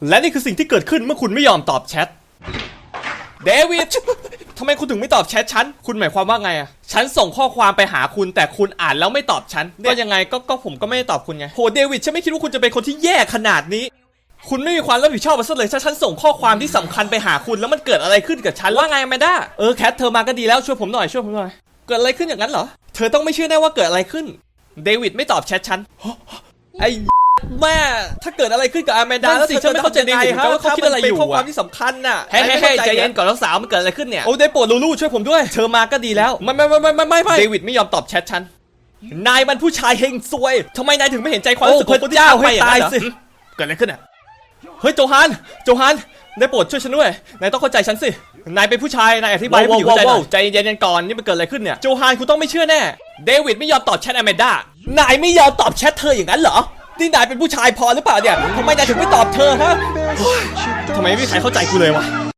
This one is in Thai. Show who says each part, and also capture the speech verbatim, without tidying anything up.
Speaker 1: และนี่คือสิ่งที่เกิดขึ้นเมื่อคุณไม่ยอมตอบแชทเดวิดทำไมคุณถึงไม่ตอบแชทฉันคุณหมายความว่าไงอะฉันส่งข้อความไปหาคุณแต่คุณอ่านแล้วไม่ตอบฉันก็ยังไงก็ก็ผมก็ไม่ได้ตอบคุณไงโหเดวิดฉันไม่คิดว่าคุณจะเป็นคนที่แย่ขนาดนี้คุณไม่มีความรับผิดชอบมาซะเลยถ้าฉันส่งข้อความที่สำคัญไปหาคุณแล้วมันเกิดอะไรขึ้นกับฉันว่าไงแมนด้าเออแคทเธอมาก็ดีแล้วช่วยผมหน่อยช่วยผมหน่อยเกิดอะไรขึ้นอย่างนั้นเหรอเธอต้องไม่เชื่อแน่ว่าเกิดอะไรขึ้นเดวิดไม่ตอบแชทฉันไอ้แม่ถ้าเกิดอะไรขึ้นกับอแมนดาแล้วสิฉันไม่เข้าใจเดวิดว่าเขาคิดอะไรอยู่เป็นข้อความที่สำคัญน่ะเฮ้ยเฮ้ยใจเย็นก่อนน้องสาวมันเกิดอะไรขึ้นเนี่ยโอ้ได้โปรดลูลูช่วยผมด้วยเธอมาก็ดีแล้วไม่ไม่ไม่ไม่ไม่ไม่เดวิดไม่ยอมตอบแชทฉันนายมันผู้ชายเฮงซวยทำไมนายถึงไม่เห็นใจความรู้สึกของคนที่ทำไปอย่างนั้นเหรอเกิดอะไรขึ้นอ่ะเฮ้ยโจฮันโจฮันได้โปรดช่วยฉันด้วยนายต้องเข้าใจฉันสินายเป็นผู้ชายนายอธิบายให้ผมเข้าใจหน่อยใจเย็นๆก่อนนี่มันเกิดอะไรขึ้นเนี่ยโจฮันคุณต้องไม่เชื่อแน่เดวิดไม่ยอมตอบแชทอแมนดานายไม่ยอมตอบแชทเธออย่างนั้นเหรอนี่นายเป็นผู้ชายพอหรือเปล่าเนี่ยทำไมนายถึงไม่ตอบเธอฮะทำไมไม่มีใครเข้าใจกูเลยวะ